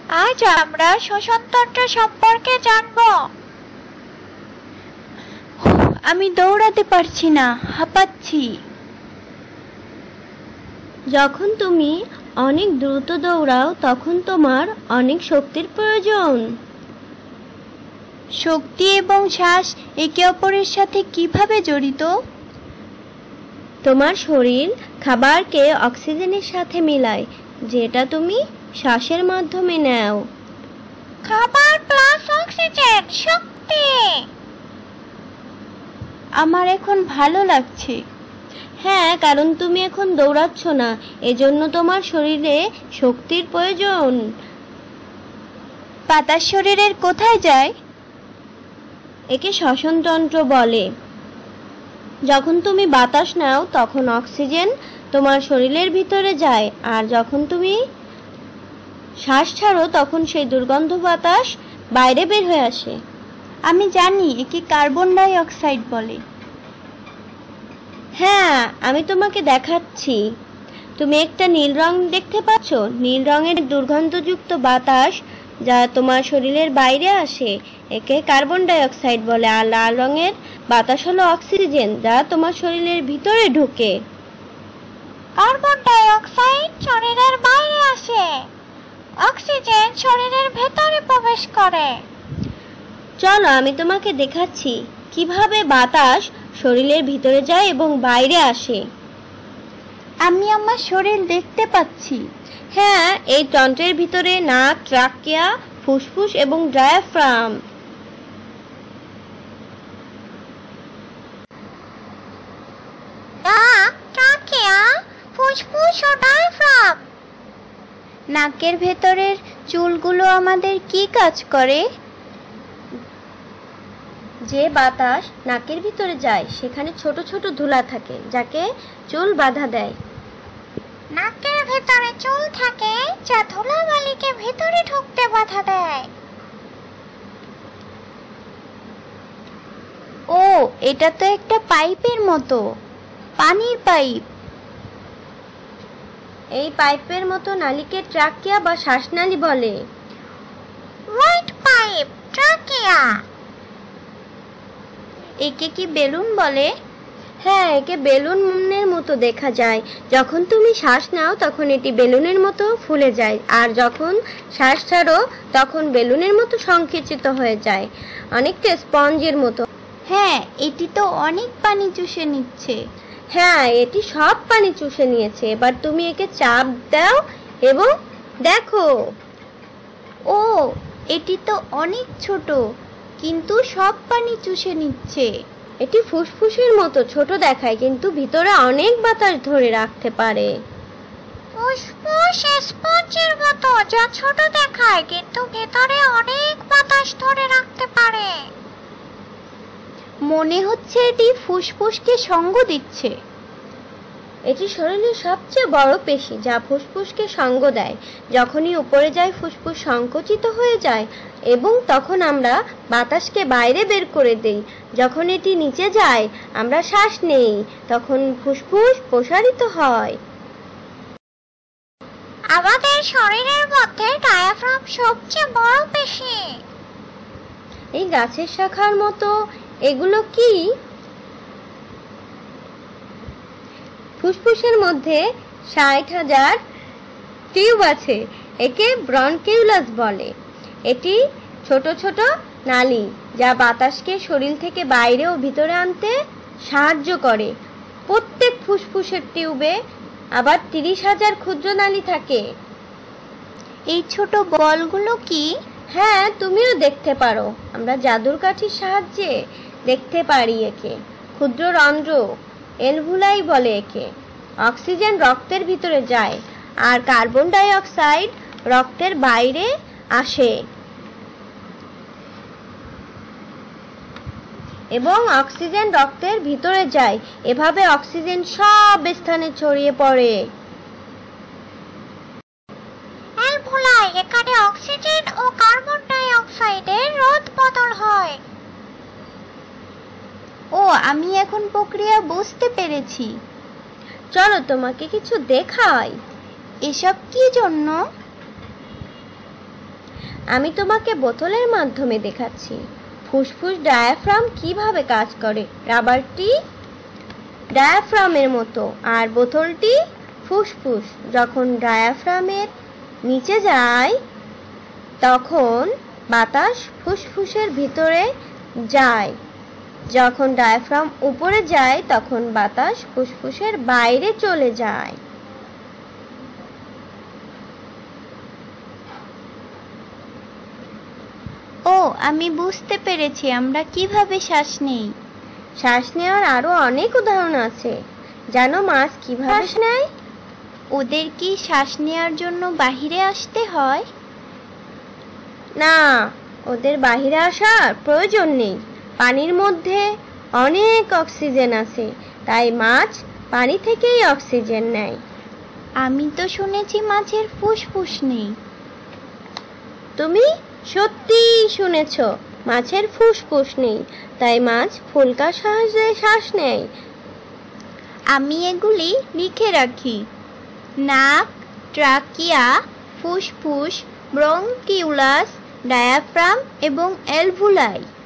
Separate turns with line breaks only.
আজ আমরা শ্বসনতন্ত্র সম্পর্কে জানব। আমি দৌড়াতে পারছি না, হাঁপাচ্ছি।
যখন তুমি অনেক দ্রুত দৌড়াও তখন তোমার অনেক শক্তির প্রয়োজন।
শক্তি এবং শ্বাস একে অপরের সাথে কিভাবে জড়িত?
তোমার শরীর খাবারকে অক্সিজেনের সাথে মেলায়, যেটা তুমি শ্বাসের মাধ্যমে নাও।
খাবার প্লাস অক্সিজেন, শক্তি। আমার এখন ভালো লাগছে।
হ্যাঁ, কারণ তুমি এখন দৌড়াচ্ছ না, এজন্য তোমার শরীরে শক্তির প্রয়োজন।
বাতাস শরীরের কোথায় যায়?
একে শ্বসনতন্ত্র বলে। যখন তুমি বাতাস নাও তখন অক্সিজেন তোমার শরীরের ভিতরে যায়, আর যখন তুমি শ্বাস ছাড়ো তখন সেই দুর্গন্ধ বাতাস বাইরে বের হয়ে আসে।
আমি জানি, একে কার্বন ডাই অক্সাইড বলে।
হ্যাঁ, আমি তোমাকে দেখাচ্ছি। তুমি একটা নীল রং দেখতে পাচ্ছ? নীল রঙের দুর্গন্ধযুক্ত বাতাস যা তোমার শরীরের বাইরে আসে, একে কার্বন ডাই অক্সাইড বলে। আর লাল রঙের বাতাস হলো অক্সিজেন, যা তোমার শরীরের ভিতরে ঢোকে।
কার্বন ডাই অক্সাইড শরীরের বাইরে আসে, অক্সিজেন শরীরের ভেতরে প্রবেশ করে।
চলো আমি তোমাকে দেখাচ্ছি কিভাবে বাতাস শরীরের ভিতরে যায় এবং বাইরে আসে।
আমি আমার শরীর দেখতে পাচ্ছি।
হ্যাঁ, এই তন্ত্রের ভিতরে নাক, ট্রাকিয়া, ফুসফুস এবং ডায়াফ্রাম।
নাক, ট্রাকিয়া, ফুসফুস ও ডায়াফ্রাম। নাকের ভেতরের চুলগুলো আমাদের কি কাজ করে?
যে বাতাস নাকের ভিতরে যায় সেখানে ছোট ছোট ধুলা থাকে, যাকে চুল বাধা দেয়।
নাকের ভেতরে চুল থাকে যা ধুলাবালিকে ভেতরে ঢুকতে বাধা দেয়। ও, এটা তো একটা পাইপের মতো, পানির পাইপ।
এই পাইপের মতো নালীকে ট্রাকিয়া বা শ্বাসনালী বলে।
White pipe, trachea. একে কি বেলুন বলে?
হ্যাঁ, একে বেলুনের মতো দেখা যায়। যখন তুমি শ্বাস নাও তখন এটি বেলুনের মতো ফুলে যায়, আর যখন শ্বাস ছাড়ো তখন বেলুনের মতো সংকুচিত হয়ে যায়, অনেকটা স্পঞ্জের মতো।
হ্যাঁ, এটি তো অনেক পানি চুষে নিচ্ছে।
হ্যাঁ, এটি সব পানি চুষে নিয়েছে। এবার তুমি একে চাপ দাও এবং দেখো।
ও, এটি তো অনেক ছোট, কিন্তু সব পানি চুষে নিচ্ছে।
এটি ফুসফুসের মতো ছোট দেখায়, কিন্তু ভিতরে অনেক বাতাস ধরে রাখতে পারে।
ফুসফুস স্পঞ্জের মতো, যা ছোট দেখায় কিন্তু ভেতরে অনেক বাতাস ধরে রাখতে পারে। মনে হচ্ছে এটি ফুসফুসকে সঙ্গ দিচ্ছে।
এটি শরীরের সবচেয়ে বড় পেশি, যা ফুসফুসকে সঙ্গ দেয়। যখনই উপরে যায় ফুসফুস সংকুচিত হয়ে যায় এবং তখন আমরা বাতাসকে বাইরে বের করে দেই। যখন এটি নিচে যায় আমরা শ্বাস নেই, তখন ফুসফুস প্রসারিত হয়।
আমাদের শরীরের মধ্যে ডায়াফ্রাম সবচেয়ে বড় পেশি।
এই গাছের শাখার মতো এগুলো কি? ফুসফুসের মধ্যে 60,000 টিউব আছে, একে ব্রনকিউলাস বলে। এটি ছোট ছোট নালী যা বাতাসকে শরীর থেকে বাইরে ও ভিতরে আনতে সাহায্য করে। প্রত্যেক ফুসফুসের টিউবে আবার 30,000 ক্ষুদ্র নালী থাকে।
এই ছোট বলগুলো কি?
হ্যাঁ, তুমিও দেখতে পারো। আমরা জাদুর কাঠির সাহায্যে দেখতে পারি একে। ক্ষুদ্র রন্ধ্র, এলভুলাই বলে একে। অক্সিজেন রক্তের ভিতরে যায় আর কার্বন ডাই অক্সাইড রক্তের বাইরে আসে এবং অক্সিজেন রক্তের ভিতরে যায়। এভাবে অক্সিজেন সব স্থানে ছড়িয়ে পড়ে।
এলভুলাই, এখানে অক্সিজেন ও কার্বন ডাই অক্সাইডের রোধ বদল হয়। ও, আমি এখন প্রক্রিয়া বুঝতে পেরেছি।
চলো তোমাকে কিছু দেখাই।
এসব কি জন্য?
আমি তোমাকে বোতলের মাধ্যমে দেখাচ্ছি ফুসফুস ডায়াফ্রাম কিভাবে কাজ করে। রাবারটি ডায়াফ্রামের মতো আর বোতলটি ফুসফুস। যখন ডায়াফ্রামের নিচে যায় তখন বাতাস ফুসফুসের ভিতরে যায়, যখন ডায়াফ্রাম উপরে যায় তখন বাতাস ফুসফুসের বাইরে চলে যায়।
ও, আমি বুঝতে পেরেছি আমরা কিভাবে শ্বাস নেই।
শ্বাস নেওয়ার আরো অনেক উদাহরণ আছে। জানো মাছ কিভাবে শ্বাস নেয়?
ওদের কি শ্বাস নেওয়ার জন্য বাহিরে আসতে হয়?
না, ওদের বাহিরে আসার প্রয়োজন নেই। পানির মধ্যে অনেক অক্সিজেন আছে, তাই মাছ পানি থেকেই অক্সিজেন নেয়।
আমি তো শুনেছি মাছের ফুসফুস নেই।
তুমি সত্যিই শুনেছ, মাছের ফুসফুস নেই, তাই মাছ ফুলকার সাহায্যে শ্বাস নেয়।
আমি এগুলি লিখে রাখি। নাক, ট্রাকিয়া, ফুসফুস, ব্রঙ্কিউলাস, ডায়াফ্রাম এবং অ্যালভুলাই।